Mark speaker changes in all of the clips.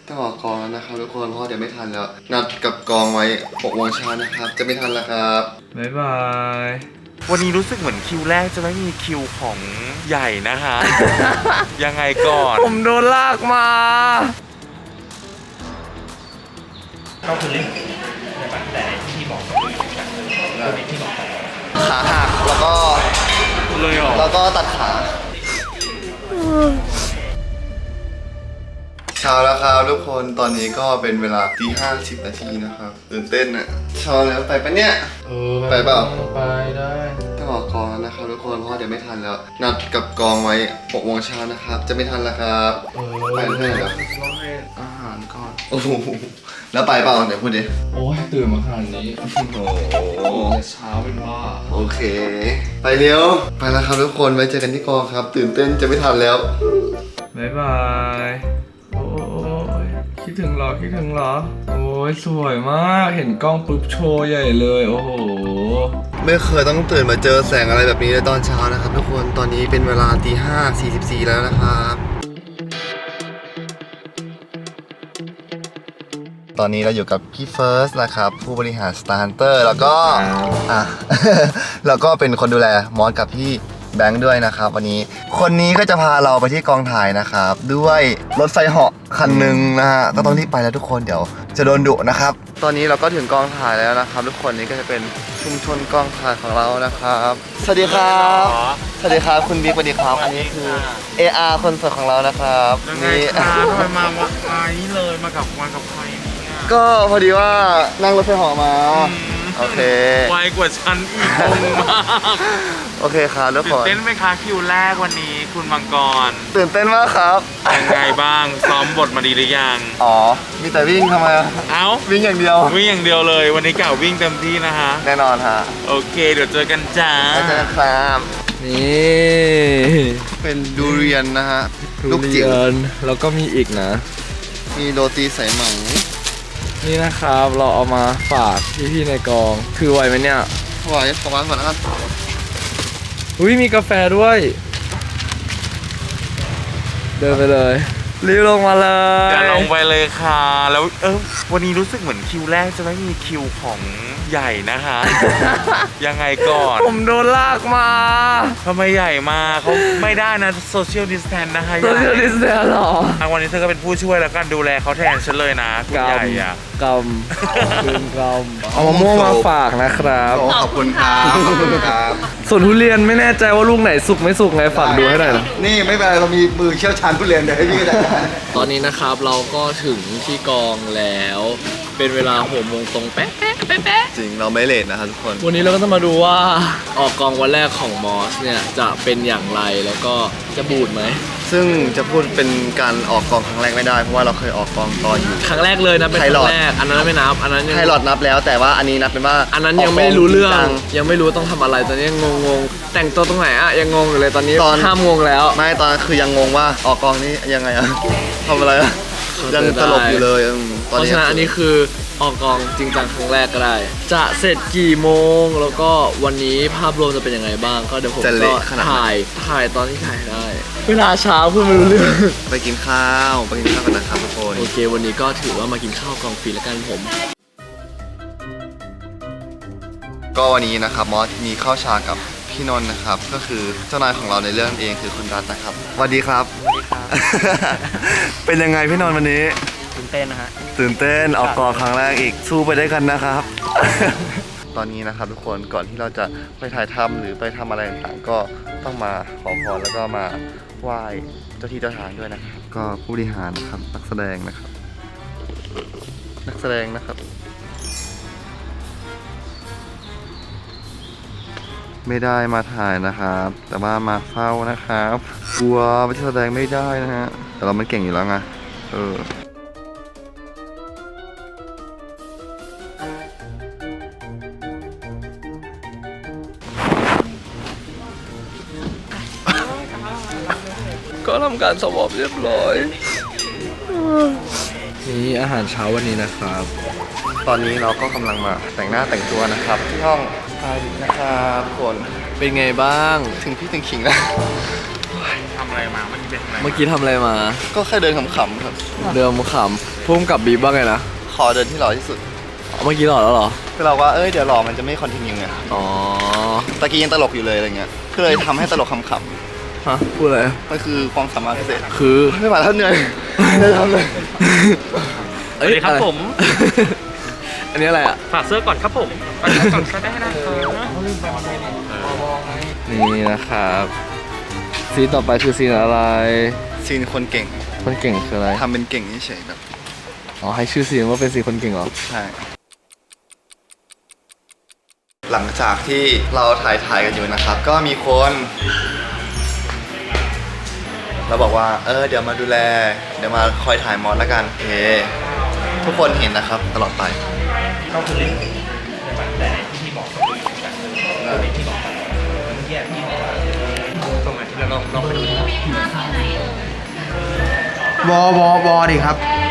Speaker 1: ต้องออกกองแล้วนะครับทุกคนเพราะเดี๋ยวไม่ทันแล้วนัดกับกองไว้6 โมงเช้านะครับจะไม่ทันแล้วครับ
Speaker 2: บ๊ายบาย
Speaker 3: วันนี้รู้สึกเหมือนคิวแรกจะไม่มีคิวของใหญ่นะคะ ยังไงก่อน
Speaker 2: ผมโดนลากมา
Speaker 3: ก็คือเล่นแต่ปัจจัยที่บอกที่บอก
Speaker 1: ขาหักแล้วก็
Speaker 3: เลยหรอ
Speaker 1: แล้วก็ตัดขาเช้าแล้วครับทุกคนตอนนี้ก็เป็นเวลาตี 5:10 นาทีนะครับตื่นเต้นอะเช้าแล้วไปปะเนี่ยไปเปล่า
Speaker 2: ไปได้
Speaker 1: ต้องออกกองแล้วนะครับทุกคนเพราะเดี๋ยวไม่ทันแล้วนัดกับกองไว้6 โมงเช้านะครับจะไม่ทันแล้วครับไปเพื่อนเหรอ
Speaker 2: ต้องให้อาหารก่อน
Speaker 1: โอ้โหแล้วไปเปล่าเดี๋ยวพูดดิ
Speaker 2: โอ้ยตื่นมาขนาดนี้โอ้เช้าเป็นบ้า
Speaker 1: โอเคไปเร็วไปแล้วครับทุกคนไว้เจอกันที่กองครับตื่นเต้นจะไม่ทันแล้ว
Speaker 2: บ๊ายบายโอ้ยคิดถึงเหรอโอ้ยสวยมากเห็นกล้องปุ๊บโชว์ใหญ่เลยโอ้โห
Speaker 1: ไม่เคยต้องตื่นมาเจอแสงอะไรแบบนี้ในตอนเช้านะครับทุกคนตอนนี้เป็นเวลาตี 5:44แล้วนะครับตอนนี้เราอยู่กับพี่เฟิร์สนะครับผู้บริหาร Star Hunter แล้วก็แล้วก็เป็นคนดูแลมอสกับพี่แบงค์ด้วยนะครับวันนี้คนนี้ก็จะพาเราไปที่กองถ่ายนะครับด้วยรถไฟเหาะคันหนึ่งนะฮะก็ต้องรีบไปแล้วทุกคนเดี๋ยวจะโดนดุนะครับตอนนี้เราก็ถึงกองถ่ายแล้วนะครับทุกคนนี่ก็จะเป็นชุมชนกองถ่ายของเรานะครับสวัสดีครับสวัสดีครับคุณบิ๊กสวัสดีครับอันนี้คือ AR คนสวยของเรานะครับ
Speaker 3: นี่ทำไมมานี้เลยมากับใครเนี่ย
Speaker 1: ก็พอดีว่านั่งรถไฟเหาะมาโอเค
Speaker 3: ไวกว่าฉันอีกงงมาก
Speaker 1: โอเคครับทุกคน
Speaker 3: ตื่นเต้นไหมคะคิวแรกวันนี้คุณมังกร
Speaker 1: ตื่นเต้นมากครับ
Speaker 3: ยังไงบ้างซ้อมบทมาดีหรือยัง
Speaker 1: อ๋อมีแต่วิ่งทำไมวิ่งอย่างเดียว
Speaker 3: เลยวันนี้กล่าววิ่งเต็มที่นะฮะ
Speaker 1: แน่นอนฮะ
Speaker 3: โอเคเดี๋ยวเจอกันจ้า
Speaker 1: เจอกันครับ
Speaker 2: นี่
Speaker 1: เป็นดูเรียนนะฮะลูกจิ๋ว
Speaker 2: แล้วก็มีอีกนะ
Speaker 1: มีโรตีสายไหม
Speaker 2: นี่นะครับเราเอามาฝากพี่ๆในกองคือไหวไหมเนี่ย
Speaker 1: ไหวขอวางก่อนนะครับ
Speaker 2: อุ้ยมีกาแฟด้วยเดินไปเลยรีบลงมาเลย
Speaker 3: อย่าลงไปเลยค่ะแล้ววันนี้รู้สึกเหมือนคิวแรกจะไม่มีคิวของใหญ่นะคะ ยังไงก่อน
Speaker 2: ผมโดนลากมา
Speaker 3: ทำไมใหญ่มาเขาไม่ได้นะโซเชียลดิสแทนนะคะ
Speaker 2: โซเชียลดิสแทนหรอ
Speaker 3: วันนี้เธอก็เป็นผู้ช่วยแล้วกันดูแลเขาแทนฉันเลยนะคุณใหญ่อะ
Speaker 2: กเอามะม่วงมาฝากนะครับ
Speaker 1: ขอบคุณครับ
Speaker 2: ส่วนทุเรียนไม่แน่ใจว่าลูกไหนสุกไม่สุกไงฝากดูให้หน่อยนะ
Speaker 1: นี่ไม่เป็นไรเรามีมือเชี่ยวชาญทุเรียนเดี๋ยวให้พี่ก็ได้
Speaker 2: ตอนนี้นะครับเราก็ถึงที่กองแล้วเป็นเวลา6 โมงตรงเป๊ะ
Speaker 1: จริงเราไม่เลทนะครับทุกคน
Speaker 2: วันนี้เราก็จะมาดูว่าออกกองวันแรกของมอสเนี่ยจะเป็นอย่างไรแล้วก็จะบูดไหม
Speaker 1: ซึ่งจะพูดเป็นการออกกองครั้งแรกไม่ได้เพราะว่าเราเคยออกกองตอนอยู่
Speaker 2: ครั้งแรกเลยนะเป็นครั้งแรกอันนั้นไม่นับอันนั้น
Speaker 1: ไพลอตนับแล้วแต่ว่าอันนี้นับเป็นว่า
Speaker 2: อันนั้นยังไม่รู้เรื่องยังไม่รู้ต้องทำอะไรตอนนี้งงแต่งตัวตรงไหนอะยังงงอยู่เลยตอนนี้ห้ามงงแล้ว
Speaker 1: ไม่ตอนคือยังงงว่าออกกองนี้ยังไงอะทำอะไรอะยังตลกอยู่เลย
Speaker 2: เพราะฉะนั้นอันนี้คือออกกองจริงจังครั้งแรกก็ได้จะเสร็จกี่โมงแล้วก็วันนี้ภาพรวมจะเป็นยังไงบ้างก็เดี๋ยวผมก็ถ่ายตอนที่ถ่ายได้เวลาเช้าเพื่อนไม่รู้เรื่อง
Speaker 1: ไปกินข้าวกันนะครับทุกคน
Speaker 2: โอเควันนี้ก็ถือว่ามากินข้าวกองฟรีแล้วกันผม
Speaker 1: ก็วันนี้นะครับมอสมีข้าวฉากกับพี่นนท์นะครับก็คือเจ้านายของเราในเรื่องเองคือคุณรัตนะครับสวัสดีครับเป็นยังไงพี่นนท์วันนี้
Speaker 4: ตื่นเต้นนะฮะ
Speaker 1: ตื่นเต้นออกกองครั้งแรกอีกสู้ไปได้กันนะครับ ตอนนี้นะครับทุกคนก่อนที่เราจะไปถ่ายทำหรือไปทำอะไรต่างๆก็ต้องมาขอพรแล้วก็มาไหว้เจ้าที่เจ้าทางด้วยนะครับก็ผู้บริหารนะครับนักแสดงนะครับไม่ได้มาถ่ายนะครับแต่ว่ามาเฝ้านะครับกลัวไม่แสดงไม่ได้นะฮะแต่เรามันเก่งอยู่แล้วไง
Speaker 2: ก็ทำการสวอปเรียบร้อยนี่อาหารเช้าวันนี้นะครับ
Speaker 1: ตอนนี้เราก็กำลังมาแต่งหน้าแต่งตัวนะครับที่ห้องสไตลิสต์นะครับคน
Speaker 2: เป็นไงบ้าง
Speaker 1: ถึงพี่ถึงขิงแล้ว
Speaker 3: ทำอะไรอะไรมาเมื่อกี้ไปทำอะไร
Speaker 2: เมื่อกี้ทำอะไรมา
Speaker 1: ก็แค่เดินขำๆครับ
Speaker 2: เดิมขำพุ่มกับบีบบ้างไงนะ
Speaker 1: ขอเดินที่หล่อที่สุด
Speaker 2: เมื่อกี้หล่อแล้วเหรอ
Speaker 1: คือเราว่าเดี๋ยวหล่อมันจะไม่คอนติเนียไง
Speaker 2: อ๋อ
Speaker 1: ตะกี้ยังตลกอยู่เลยอะไรเงี้ยก็เลยทำให้ตลกขำ
Speaker 2: ฮะพูดอะไร
Speaker 1: ๆมันคือความสามารถพิเศษ
Speaker 2: คือ
Speaker 1: ไม่ไหวแล้วเหนื่อยไม่ทำเลย
Speaker 2: สวัสดีครับผม อันนี้อะไรอ่ะ
Speaker 3: ฝากเสื้อก่อนครับผมฝากเสื้อก่อนก็ได้นะครับ
Speaker 2: นี่นะครับซีนต่อไปคือซีนอะไร
Speaker 1: ซีนคนเก่ง
Speaker 2: คนเก่งคืออะไร
Speaker 1: ทำเป็นเก่งเฉยๆแบบ
Speaker 2: อ๋อให้ชื่อซีนว่าเป็นซีนคนเก่งเหรอ
Speaker 1: ใช่หลังจากที่เราถ่ายกันอยู่นะครับ ก็มีคนเราบอกว่าเดี๋ยวมาดูแลเดี๋ยวมาคอยถ่ายมอสแล้วกันโอเคทุกคนเห็นนะครับตลอดไปก็คือแต่ที่พี่บอกที่บอกไปเมื่อกี้พี่บอกว่าตรงไหนที่เราลองไปดู
Speaker 4: วอดิครับ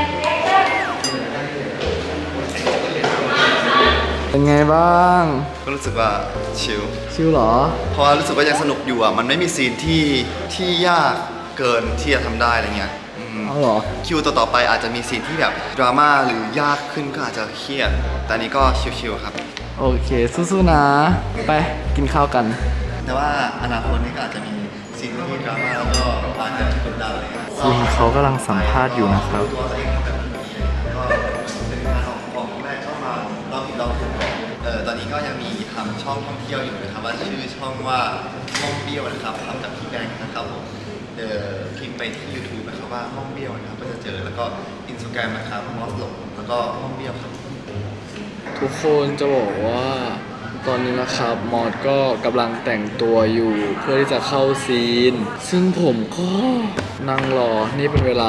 Speaker 2: เป็นไงบ้าง
Speaker 1: ก็รู้สึกว่าชิล
Speaker 2: ชิวเหรอ
Speaker 1: เพราะว่ารู้สึกว่ายังสนุกอยู่อ่ะมันไม่มีซีนที่ยากเกินที่จะทำได้อะไรเงี้ย
Speaker 2: เอาเหรอ
Speaker 1: คิวต่อไปอาจจะมีซีนที่แบบดราม่าหรือยากขึ้นก็อาจจะเครียดแต่อันนี้ก็ชิลๆครับ
Speaker 2: โอเคสู้ๆนะ ไปกินข้าวกัน
Speaker 1: แต่ว่าอนาคตนี้ก็อาจจะมีซีนที่ดราม่าแล้วก็อาจจะกดดันอะไรเงี้ย
Speaker 2: ซีนเขากำลังสัมภาษณ์อยู่นะครับ
Speaker 1: ตัวเองแบบนี้ก็เป็นงานของแรกเข้ามาเราผิดเราถูกตอนนี้ก็ยังมีทำช่องท่องเที่ยวอยู่นะครับว่าชื่อช่องว่าห้องเบี้ยวนะครับทำจากพี่แบงค์นะครับผมพิมพ์ไปที่ YouTube นะครับว่าห้องเบี้ยวนะครับก็จะเจอแล้วก็ Instagram นะครับมอสหลงแล้วก็ห้องเบี้ยวครับ
Speaker 2: ทุกคนจะบอกว่าตอนนี้นะครับมอดก็กำลังแต่งตัวอยู่เพื่อที่จะเข้าซีน ซึ่งผมก็นั่งรอนี่เป็นเวลา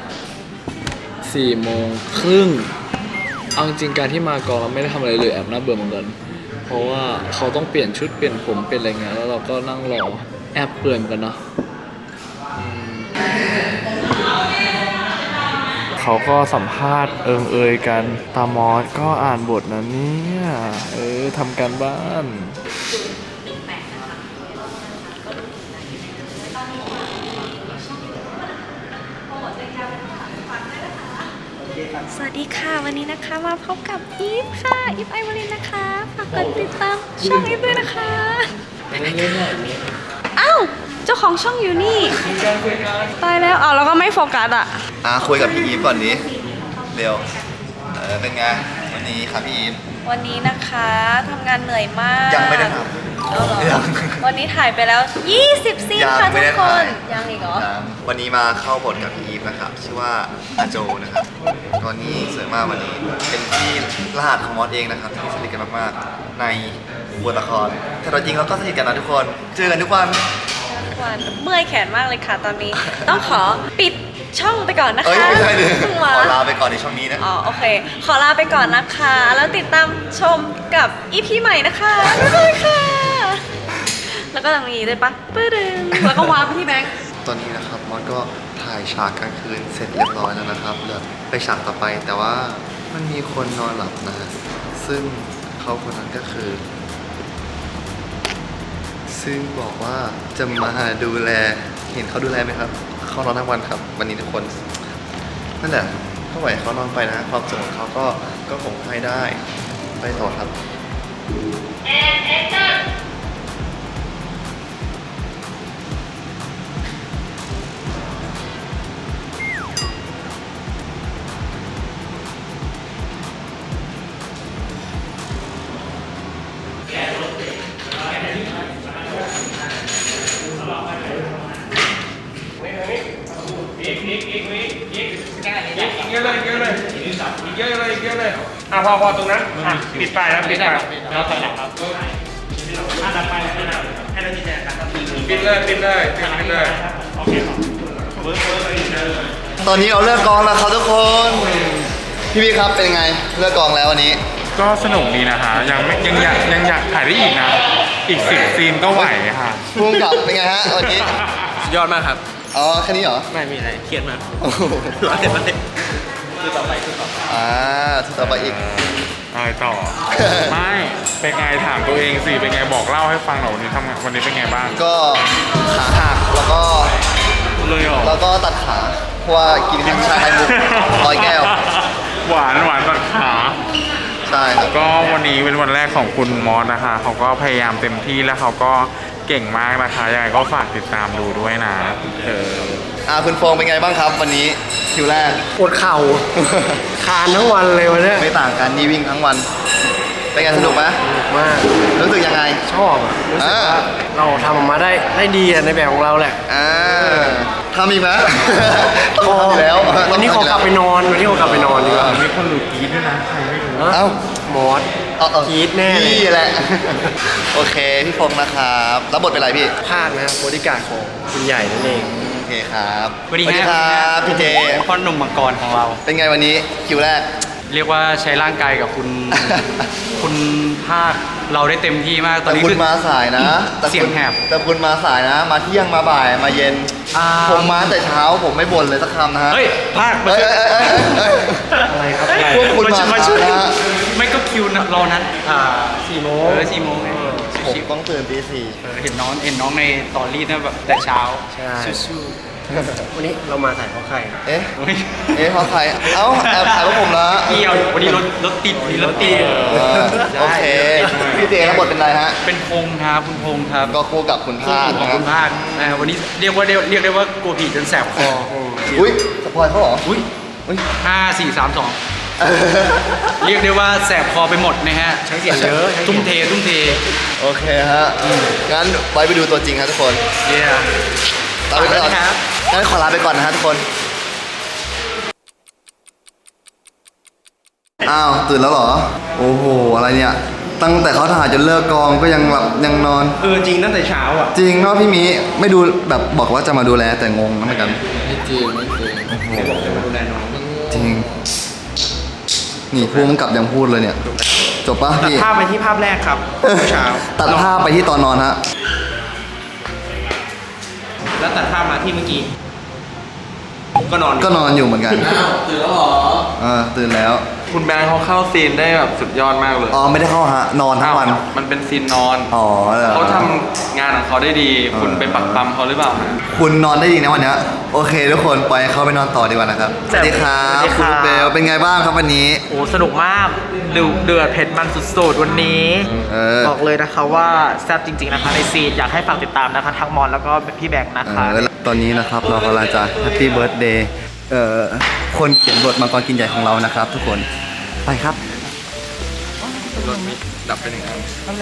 Speaker 2: 4 โมงครึ่งเอาจริงๆการที่มากองแล้วไม่ได้ทำอะไรเลยแอบน่าเบื่อเหมือนกันเพราะว่าเขาต้องเปลี่ยนชุดเปลี่ยนผมเป็นอะไรเงี้ยแล้วเราก็นั่งรอแอบเปื่อยเหมือนกันเนาะเขาก็สัมภาษณ์เอ่ยกันตามอสก็อ่านบทนะเนี่ยทำการบ้าน
Speaker 5: สวัสดีค่ะวันนี้นะคะมาพบกับอีฟค่ะอีฟไอวอลินนะคะฝากกดติดตามช่องอีฟด้วยนะคะอ้าวเจ้าของช่องอยู่นี่ตายแล้วเอาแล้วก็ไม่โฟกัสอ่ะ
Speaker 1: คุยกับพี่อีฟก่อนดิเร็วเป็นไงวันนี้ครับพี่อีฟ
Speaker 5: วันนี้นะคะทำงานเหนื่อยมาก
Speaker 1: ยังไม่ได้ท
Speaker 5: เอาเหรอ
Speaker 1: ยัง
Speaker 5: วันนี้ถ่ายไปแล้ว 20 ซีน
Speaker 1: ยัง
Speaker 5: ค่ะ
Speaker 1: ไม่
Speaker 5: ทุ
Speaker 1: ได้
Speaker 5: กค
Speaker 1: ถ่าย
Speaker 5: นยังอีกเหรอ
Speaker 1: วันนี้มาเข้าบทกับพี่อีฟนะครับชื่อว่าอาโจนะครับตอนนี้สวยมากวันนี้เป็นที่รหัสของมอสเองนะครับที่สนิทกันมากๆในบทละครแต่เราจริงเราก็สนิทกันนะทุกคนเจอกันทุกวัน
Speaker 5: ทุกวันเมื่อยแขนมากเลยค่ะตอนนี้ ต้องขอปิดช่องไปก่อนนะคะ
Speaker 1: ไม่ใช่เลย
Speaker 5: เพิ่งมา
Speaker 1: ขอลาไปก่อนในช่องนี้นะ
Speaker 5: อ๋อโอเค ขอลาไปก่อนนะคะ แล้วติดตามชมกับอีพีใหม่นะคะบ๊ายบายค่ะ แล้วก็ตรงนี้ด้วยปะปื้ดึงแล้วก็วางไปที่แบงค์
Speaker 1: ตอนนี้นะครับมอสก็ถ่ายฉากกลางคืนเสร็จเรียบร้อยแล้วนะครับเหลือไปฉากต่อไปแต่ว่ามันมีคนนอนหลับนะฮะซึ่งเขาคนนั้นก็คือ ซึ่งบอกว่าจะมาดูแลเห็นเขาดูแลไหมครับเขานอนทั้งวันครับ วันนี้ทุกคนนั่นแหละก็ไหวเขานอนไปนะความสุขของเขาก็คงให้ได้ไปต่อครับ
Speaker 3: เยอะเลยเยอะเลยอีกเยอะเลยเยอะเลยพอตรงนั้นปิดไปแล้วปิดไปแล้วถอยหลังครับตัดไปให้เราชี้แจงกันปิดเลยโอเคครับ
Speaker 1: ตอนนี้เราเลิกกองแล้วครับทุกคนพี่ครับเป็นไงเลิกกองแล้ววันนี้
Speaker 3: ก็สนุกดีนะฮะยังอยากถ่ายได้อีกนะอีก10 ซีนก็ไหวค่ะ
Speaker 1: พุ่งกับเป็นไงฮะวันนี้
Speaker 2: ยอดมากครับ
Speaker 1: อ๋อแค่นี้เหรอ
Speaker 2: ไม่มีอะไรเครียดมาก
Speaker 1: โอ้โห
Speaker 2: ร้อนเด็ดมันเด็ดคือต่อไป
Speaker 1: ทุกต่อไปอีก
Speaker 3: อะไรต่อ ไม่เป็นไงถามตัวเองสิเป็นไงบอกเล่าให้ฟังหน่อยวันนี้ทำงานวันนี้เป็นไงบ้าง
Speaker 1: ก็ขาหักแล้วก็
Speaker 3: เลยเหรอ
Speaker 1: แล้วก็ตัดขาเพราะว่ากินทั้งชาไข่มุก100 แก้ว
Speaker 3: หวานตัดขา
Speaker 1: ใช่ครับ
Speaker 3: ก็วันนี้เป็นวันแรกของคุณมอสนะคะเขาก็พยายามเต็มที่แล้วเขาก็เก่งมากนะคะยังไงก็ฝากติดตามดูด้วยนะ
Speaker 1: คุณโฟงเป็นไงบ้างครับวันนี้คิวแรก
Speaker 4: ปวดเข่า คานทั้งวันเลยวันเนี้ย
Speaker 1: ไม่ต่างกันนี่วิ่งทั้งวัน เป็นไงสนุกไหม
Speaker 4: มาก
Speaker 1: รู้สึกยังไง
Speaker 4: ชอบอะรู้สึกว่าเราทำออกมาได้ดีอะในแบบของเราแหละ
Speaker 1: ทำอีกไหมต้องทำอยู่แล้ว
Speaker 4: วันนี้ขอกลับไปนอนวันนี้ขอกลับไปนอนดีกว่า
Speaker 3: มีคนหลุดกีดด้วยนะใครไม่รู้
Speaker 1: เอ้า
Speaker 4: มอส กรี๊ดแน่เลย
Speaker 1: นี่แหละ โอเคพี่ฟงนะครับรับบทเป็นอะไรพี่
Speaker 4: ภาคนะครับบริการดของคุณใหญ่นั่นเอง
Speaker 1: โอเคครับ
Speaker 6: สวัสดี
Speaker 1: ครับพี่เจ
Speaker 6: พ่อหนุ่มมังกรของเรา
Speaker 1: เป็นไงวันนี้คิวแรก
Speaker 6: เรียกว่าใช้ร่างกายกับคุณ คุณภาคเราได้เต็มที่มากตอน
Speaker 1: แต่
Speaker 6: นี้
Speaker 1: คุ
Speaker 6: คื
Speaker 1: ณ
Speaker 6: อ
Speaker 1: มาสายนะ
Speaker 6: เสียงแหบ
Speaker 1: แต่คุณมาสายนะ มาเที่ยงมาบ่ายมาเย็น ผมมาแต่เช้าผมไม่บ่นเลยสักคำนะฮะ
Speaker 6: เฮ้ยภาค
Speaker 1: เอ้ย
Speaker 4: อะไรครับ
Speaker 1: พวกคุณมาช้านะ
Speaker 6: ไม่ก็คิวเรานั้น
Speaker 4: 4 โมง
Speaker 6: 4 โมงไง
Speaker 1: ผม
Speaker 6: ชิว
Speaker 1: ต้องตื่นตี 4
Speaker 6: ๆเห็นน้องในตอรี่นะแบบแต่เช้า
Speaker 4: ใช่
Speaker 6: สู้
Speaker 4: วันนี้เรามาถ่ายเพราะใคร
Speaker 1: เอ๊ะ
Speaker 6: ๆเฮ้ย
Speaker 1: เพราะใคร เอ้าแอบถ่ายพวกผมละ
Speaker 6: เกี่ยววันนี้รถติดวันนี้รถติด
Speaker 1: โอเค พี่เจรับบทเป็นอะไรฮะ
Speaker 6: เป็นพงษ์ครับคุณพงษ์ครับ
Speaker 1: ก็คู่กับคุณ
Speaker 6: คู่
Speaker 1: ภาค
Speaker 6: ของ
Speaker 1: นะ
Speaker 6: คุณภาควันนี้เรียกได้ว่ากลัวผีจนแสบคอ
Speaker 1: อุ้ยสปอยเขาเหรอ
Speaker 6: อุ้ย
Speaker 1: อุ้ย
Speaker 6: 5 4 3 2 เรียกได้ว่าแสบคอไปหมดนะฮะ
Speaker 4: ใช้เสียงเยอะใช้เสียง
Speaker 6: ทุ่มเท
Speaker 1: โอเคฮะ งั้นไว้ไปดูตัวจริงครับทุกคน
Speaker 6: เย้
Speaker 1: ลาไปก่อน
Speaker 6: ครับ
Speaker 1: งั้นขอลาไปก่อนนะฮะทุกคน อ้าว ตื่นแล้วเหรอ โอ้โห อะไรเนี่ย ตั้งแต่เขาถ่ายจนเลิกกองก็ยังหลับยังนอน
Speaker 4: จริงตั้งแต่เช้าอ่ะ
Speaker 1: จริงเนาะพี่หมีไม่ดูแบบบอกว่าจะมาดูแลแต่งงนะเหมือนกัน
Speaker 2: ไม่จริงไม่จริง
Speaker 1: จริง นี่พูดมันกลับยังพูดเลยเนี่ย จบปะพี่
Speaker 4: ภาพไปที่ภาพแรกครับเช้า
Speaker 1: ตัดภาพไปที่ตอนนอนฮะ
Speaker 4: แล้วตัดภาพมาที่เมื่อกี้ ก็นอน
Speaker 1: ก็นอนอยู่เหมือนกัน
Speaker 2: ตื่นแล้วเหรอ
Speaker 1: ตื่นแล้ว
Speaker 3: คุณแบงค์เขาเข้าซีนได้แบบสุดยอดมากเลย
Speaker 1: อ๋อ ไม่ได้เข้าฮะ นอนทั้งวัน
Speaker 3: มันเป็นซีนนอน
Speaker 1: อ๋อเหรอ
Speaker 3: เขาทำงานของเขาได้ดี คุณไปปักปั๊มเขาหรือเปล่าฮะ
Speaker 1: คุณนอนได้ดีนะวันเนี้ยโอเคทุกคนปล่อยให้เขาไปนอนต่อดีกว่านะครับ สวัสดีครับคุณลูกเบลเป็นไงบ้างครับวันนี้
Speaker 7: โอ้สนุกมากเดือดเผ็ดมันสุดๆวันนี้ บอกเลยนะคะว่าแซ่บจริงๆนะคะในซีนอยากให้ฝากติดตามนะคะทั้งมอนแล้วก็พี่แบงค์นะคะ
Speaker 1: แล้วตอนนี้นะครับเรากำลังจะแฮปปี้เบิร์ดเดย์คนเขียนบทมังกรกินใหญ่ของเรานะครับ ทุกคนไปครับ
Speaker 3: รถมิดับเป็นอย่างนั้น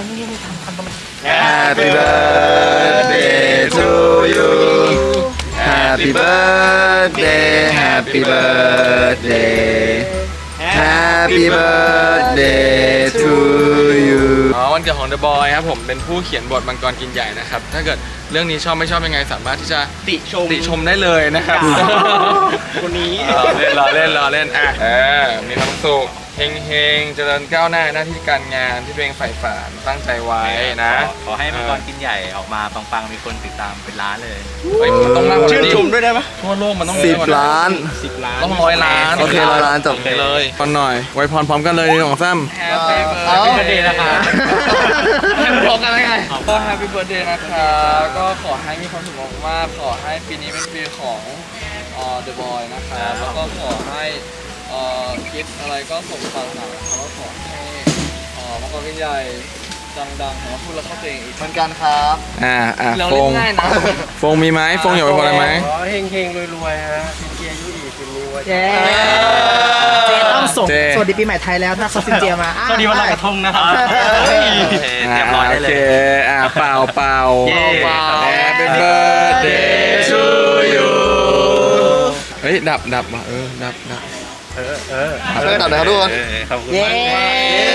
Speaker 1: Happy birthday to you Happy birthday Happy birthday Happy birthday to you
Speaker 3: วันเกิดของ The Boy ครับผมเป็นผู้เขียนบทมังกรกินใหญ่นะครับ ถ้าเกิดเรื่องนี้ชอบไม่ชอบยังไงสามารถที่จะติชมได้เลยนะครับ
Speaker 4: คนนี้
Speaker 3: รอเล่นอ่ะมีความสุขเฮงเจริญก้าวหน้าหน้าที่การงานที่ตัวเองใฝ่ฝันตั้งใจไว้นะ
Speaker 6: ขอให้มังกรกินใหญ่ออกมาปังๆมีคนติดตามเป็นล้านเลย
Speaker 3: เฮ้ยมันต้องมากกว่า
Speaker 4: ชื่น
Speaker 3: นี้
Speaker 4: ชมด้วยได้ปะ
Speaker 3: ทั่วโลกมันต้อง
Speaker 1: 10 ล้าน
Speaker 3: ต้อง100 ล้าน
Speaker 1: โอเค100 ล้านจบ
Speaker 3: เลยพรหน่อยไว้พรพร้อมกันเลยของซ้ำ
Speaker 6: Happy birthday นะคะ
Speaker 3: พร้อมกันได้ไงก็ Happy Birthday นะคะก็ขอให้มีความสุขมากๆขอให้ปีนี้เป็นปีของThe Boy นะคะแล้วก็ขอให้คิดอะไรก็สมปรารถนาแล้วขอให้มังกรกินใหญ่ดังๆของพูดแล้วเข้าตัวเองอีก
Speaker 1: เหมือนกันครับ
Speaker 3: เราเล่นง่ายนะฟงมีไหมฟงอยากไปพรอะไรไหม
Speaker 4: ขอเฮงๆรวยๆฮะเป็นเกียร์ยุอีกเป็นนี้ว่า
Speaker 7: เจต้องส่งสวัสดีปีใหม่ไทยแล้วถ้าเขาซินเจียมา
Speaker 6: สวัสดีวันลอยกระทงนะครับ เตรียมร้อยได้เลย
Speaker 3: โอเคเป่า
Speaker 6: เย้
Speaker 3: Happy Birthday to you เฮ้ยดับว่ะดับ
Speaker 1: ช่วยตัดหน่อยครับทุกคน
Speaker 6: ขอบคุณ
Speaker 7: เย้
Speaker 6: มาก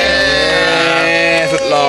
Speaker 3: สุดหล่อ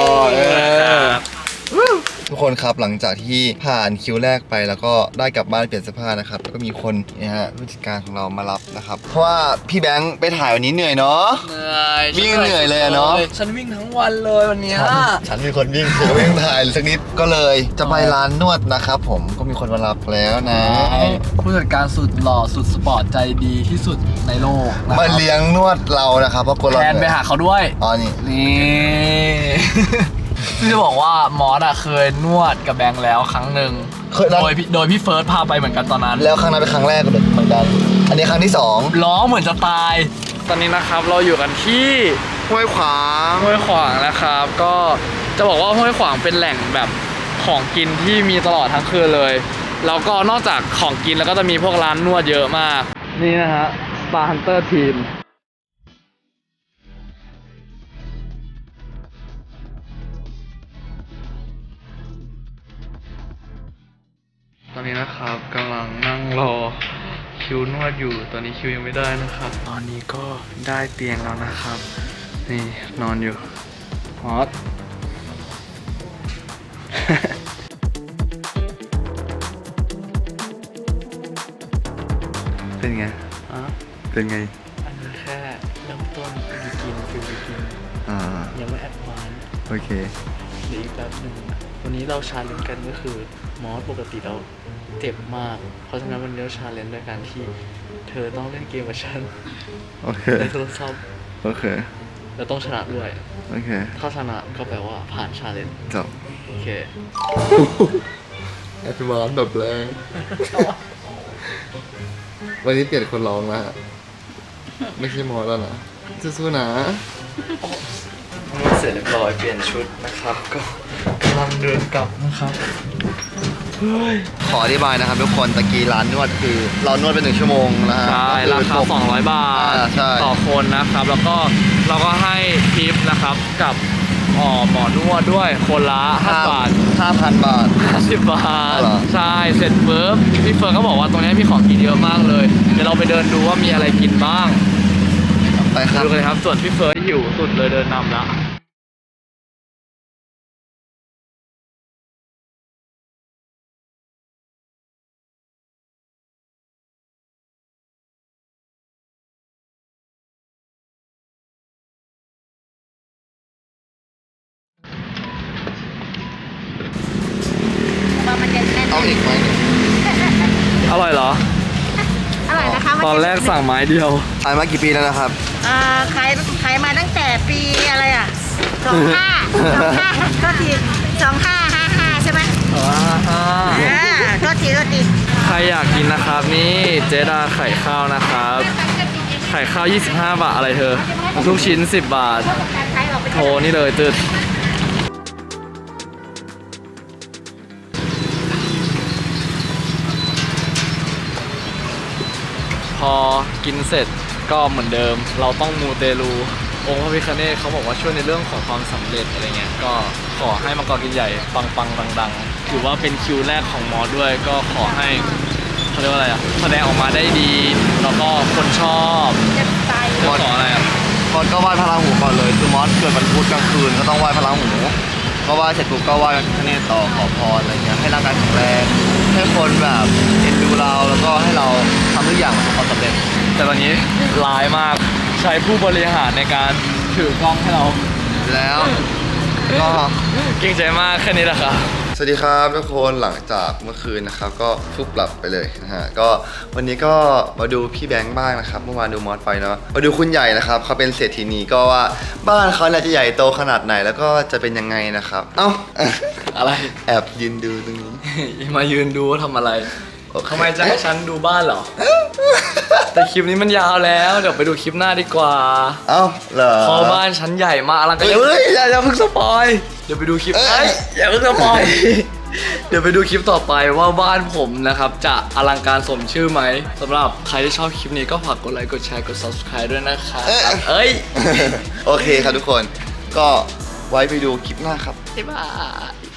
Speaker 1: ทุกคนครับหลังจากที่ผ่านคิวแรกไปแล้วก็ได้กลับบ้านเปลี่ยนเสื้อผ้านะครับแล้วก็มีคนเนี่ยฮะผู้จัดการของเรามารับนะครับเพราะว่าพี่แบงค์ไปถ่ายวันนี้เหนื่อยเนาะ
Speaker 2: เหนื่อย
Speaker 1: วิ่งเหนื่อยเลยอะเนาะ
Speaker 2: ฉันวิ่งทั้งวันเลยวันเนี้ย
Speaker 1: ฉันมีคนวิ่งคือวิ่งถ่ายสักนิดก็เลยจะไปร้านนวดนะครับผมก็มีคนมารับแล้วนะ
Speaker 2: ผู้จัดการสุดหล่อสุดสปอร์ตใจดีที่สุดในโลกนะค
Speaker 1: มา
Speaker 2: รับ
Speaker 1: เลี้ยงนวดเรานะครับเพราะคนเรา
Speaker 2: แทนไปหาเขาด้วย
Speaker 1: อ๋อนี่
Speaker 2: นี่ ซึ่งจะบอกว่ามอสอะเคยนวดกับแบงค์แล้วครั้งหนึ่ง
Speaker 1: เคยนะ
Speaker 2: โดยพี่เฟิร์สพาไปเหมือนกันตอนนั้น
Speaker 1: แล้วครั้งนั้นเป็นครั้งแรกเหมือนกัน อันนี้ครั้งที่สอง
Speaker 2: ล้อเหมือนจะตาย ตอนนี้นะครับเราอยู่กันที่
Speaker 1: ห้วยขวาง
Speaker 2: ห้วยขวางนะครับ ก็จะบอกว่าห้วยขวางเป็นแหล่งแบบของกินที่มีตลอดทั้งคืนเลยแล้วก็นอกจากของกินแล้วก็จะมีพวกร้านนวดเยอะมากนี่นะฮะ Star Hunter Team ตอนนี้นะครับกำลังนั่งรอคิวนวดอยู่ตอนนี้คิวยังไม่ได้นะครับตอนนี้ก็ได้เตียงแล้วนะครับนี่นอนอยู่ฮอต
Speaker 1: เป็นไง
Speaker 2: อ่ะ
Speaker 1: เป็นไง
Speaker 2: อันนี้แค่เริ่มต้นบิกินฟิลบิกิน
Speaker 1: อ่า
Speaker 2: ยังไม่แอดวานซ์
Speaker 1: โอเค
Speaker 2: เดี๋ยวอีกแป๊บหนึ่งวันนี้เราชาเลนจ์กันก็คือมอสปกติเราเจ็บมาก เพราะฉะนั้นวันนี้เราชาเลนจ์ด้วยการที่เธอต้องเล่นเกมกับฉัน
Speaker 1: โอเค
Speaker 2: ในโทรศัพท์
Speaker 1: โอเค
Speaker 2: เราต้องชนะด้วย
Speaker 1: โอเค
Speaker 2: ถ้าชนะก็แปลว่าผ่านชาเลนจ์
Speaker 1: จบ
Speaker 2: โอเค
Speaker 1: แอปพลิเคชันแบบแรง วันนี้เปลี่ยนคนร้องแล้วฮะไม่ใช่มอสแล้วนะสู้ๆนะ
Speaker 2: นวดเสร็จเรียบร้อยเปลี่ยนชุดนะครับ ก็กำลังเดินกลับนะครับ
Speaker 1: ขออธิบายนะครับทุกคนตะกี้ร้านนวดคือเรานวดไป1 ชั่วโมงนะฮะ
Speaker 2: ใช่ราคา200 บาท
Speaker 1: ใช่
Speaker 2: ต่อคนนะครับ แล้วก็เราก็ให้ทิปนะครับกับหมอนวดด้วยคนละ5 บาท
Speaker 1: 5,000 บาท
Speaker 2: 50 บาท
Speaker 1: เหรอ
Speaker 2: ใช่เสร็จปุ๊บพี่เฟิร์นก็บอกว่าตรงนี้มีของกินเยอะมากเลยเดี๋ยวเราไปเดินดูว่ามีอะไรกินบ้าง
Speaker 1: ไปครับ
Speaker 2: ดูกันเลยครับส่วนพี่เฟิร์นหิวสุดเลยเดินนำแล้ว
Speaker 1: เอาอีกไหม
Speaker 2: อร่อยเหรอ
Speaker 8: อร่อยนะคะ
Speaker 2: ตอนแรกสั่งไม้เดียว
Speaker 1: ขายมากี่ปีแล้วนะครับ
Speaker 8: ขายมาตั้งแต่ปีอะไรอ่ะ25ก็ที2555ใช่ไหมก็ที
Speaker 2: ใครอยากกินนะครับนี่เจดาไข่ข้าวนะครับ ไข่ข้าว 25 บาทอะไรเธอลูกชิ้น 10 บาท โทรนี่เลยตึดพอกินเสร็จก็เหมือนเดิม เราต้องมูเตลู องค์พระพิฆเนศเขาบอกว่าช่วยในเรื่องของความสำเร็จอะไรเงี้ยก็ขอให้มังกรกินใหญ่ปังๆดังๆถือว่าเป็นคิวแรกของมอสด้วยก็ขอให้เขาเรียกว่าอะไรอ่ะแสดงออกมาได้ดีแล้วก็คนชอบขออะไรอ่ะ
Speaker 1: มอสก็ไหว้พระราหูก่อนเลยคือมอสเกิดวันพุธกลางคืนก็ต้องไหว้พระราหูก็ไหว้เสร็จปุ๊บก็ไหว้พระพิฆเนศต่อขอพรอะไรเงี้ยให้ร่างกายแข็งแรงให้คนแบบเอ็นดูเราแล้วก็ให้เราทำทุกอย่างประสบความสำเร็จ
Speaker 2: แต่ตอนนี้ร้ายมากใช้ผู้บริหารในการถือกล้องให้เรา
Speaker 1: แล้วก็
Speaker 2: เก่งใจมากแค่นี้แหละครับ
Speaker 1: สวัสดีครับทุกคนหลังจากเมื่อคืนนะครับก็ฟุบหลับไปเลยนะฮะก็วันนี้ก็มาดูพี่แบงค์บ้างนะครับเมื่อวานดูมอสไปเนาะมาดูคุณใหญ่นะครับเขาเป็นเศรษฐีนีก็ว่าบ้านเขาเนี่ยจะใหญ่โตขนาดไหนแล้วก็จะเป็นยังไงนะครับเอ้า
Speaker 2: อะไร
Speaker 1: แอบยืนดูตรงนี้
Speaker 2: มายืนดูว่าทำอะไร
Speaker 1: โอเค
Speaker 2: ทำไมจะให้ฉันดูบ้านเหรอ แต่คลิปนี้มันยาวแล้วเดี๋ยวไปดูคลิปหน้าดีกว่า
Speaker 1: เอ้าเหรอ
Speaker 2: พอบ้านฉันใหญ่มากอลังการ
Speaker 1: เฮ้ย
Speaker 2: อย่าเพิ่งสปอยเดี๋ยวไปดูคลิป
Speaker 1: เอ้ย
Speaker 2: อย่าเพิ่งสปอยเดี๋ยวไปดูคลิปต่อไปว่าบ้านผมนะครับจะอลังการสมชื่อไหมสำหรับใครที่ชอบคลิปนี้ก็ฝากกดไลค์กดแชร์กด subscribe ด้วยนะครับเอ้ย
Speaker 1: โอเคครับทุกคนก็ไว้ไปดูคลิปหน้าครับ
Speaker 2: บ๊ายบาย